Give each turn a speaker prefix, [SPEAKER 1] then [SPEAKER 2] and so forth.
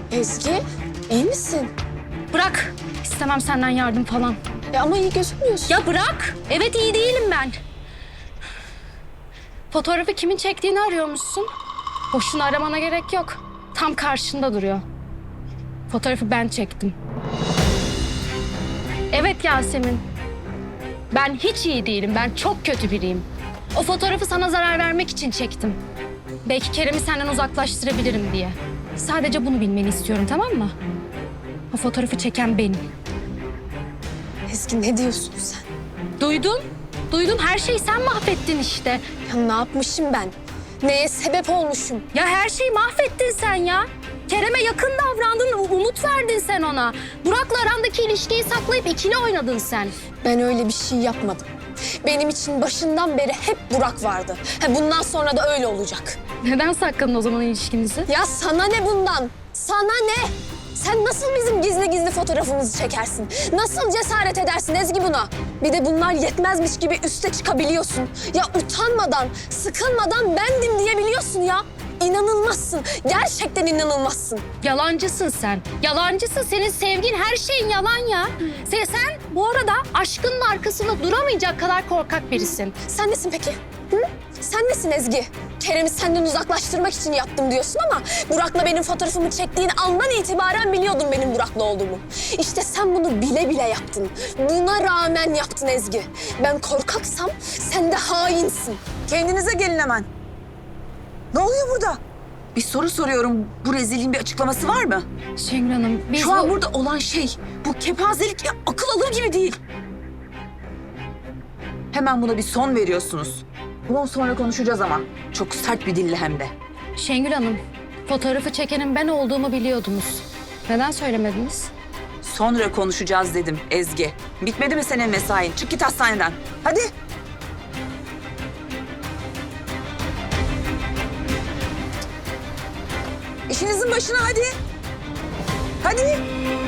[SPEAKER 1] Ezgi, iyi misin?
[SPEAKER 2] Bırak. İstemem senden yardım falan.
[SPEAKER 1] Ama iyi gözükmüyorsun.
[SPEAKER 2] Ya bırak. Evet iyi değilim ben. Fotoğrafı kimin çektiğini arıyormuşsun. Boşuna aramana gerek yok. Tam karşında duruyor. Fotoğrafı ben çektim. Evet Yasemin. Ben hiç iyi değilim. Ben çok kötü biriyim. O fotoğrafı sana zarar vermek için çektim. Belki Kerem'i senden uzaklaştırabilirim diye. Sadece bunu bilmeni istiyorum, tamam mı? O fotoğrafı çeken benim.
[SPEAKER 1] Ezgi, ne diyorsun sen?
[SPEAKER 2] Duydum. Duydum. Her şeyi sen mahvettin işte.
[SPEAKER 1] Ya ne yapmışım ben? Neye sebep olmuşum?
[SPEAKER 2] Ya her şeyi mahvettin sen ya. Kerem'e yakın davrandın, umut verdin sen ona. Burak'la arandaki ilişkiyi saklayıp ikili oynadın sen.
[SPEAKER 1] Ben öyle bir şey yapmadım. Benim için başından beri hep Burak vardı. Bundan sonra da öyle olacak.
[SPEAKER 2] Neden sakladın o zaman ilişkinizi?
[SPEAKER 1] Ya sana ne bundan? Sana ne? Sen nasıl bizim gizli gizli fotoğrafımızı çekersin? Nasıl cesaret edersin Ezgi buna? Bir de bunlar yetmezmiş gibi üste çıkabiliyorsun. Ya utanmadan, sıkılmadan bendim diyebiliyorsun ya. İnanılmazsın. Gerçekten inanılmazsın.
[SPEAKER 2] Yalancısın sen. Yalancısın. Senin sevgin, her şeyin yalan ya. Sen bu arada aşkının arkasında duramayacak kadar korkak birisin.
[SPEAKER 1] Sen nesin peki? Hı? Sen nesin Ezgi? Kerem'i senden uzaklaştırmak için yaptım diyorsun ama Burak'la benim fotoğrafımı çektiğin andan itibaren biliyordun benim Burak'la olduğumu. İşte sen bunu bile bile yaptın. Buna rağmen yaptın Ezgi. Ben korkaksam sen de hainsin.
[SPEAKER 3] Kendinize gelin hemen. Ne oluyor burada? Bir soru soruyorum. Bu rezilliğin bir açıklaması var mı?
[SPEAKER 2] Şengül Hanım, biz
[SPEAKER 3] Şu an burada olan şey bu kepazelik ya, akıl alır gibi değil. Hemen buna bir son veriyorsunuz. Bundan sonra konuşacağız ama. Çok sert bir dille hem de.
[SPEAKER 2] Şengül Hanım, fotoğrafı çekenin ben olduğumu biliyordunuz. Neden söylemediniz?
[SPEAKER 3] Sonra konuşacağız dedim Ezgi. Bitmedi mi senin mesain? Çık git hastaneden. Hadi. İşinizin başına hadi. Hadi.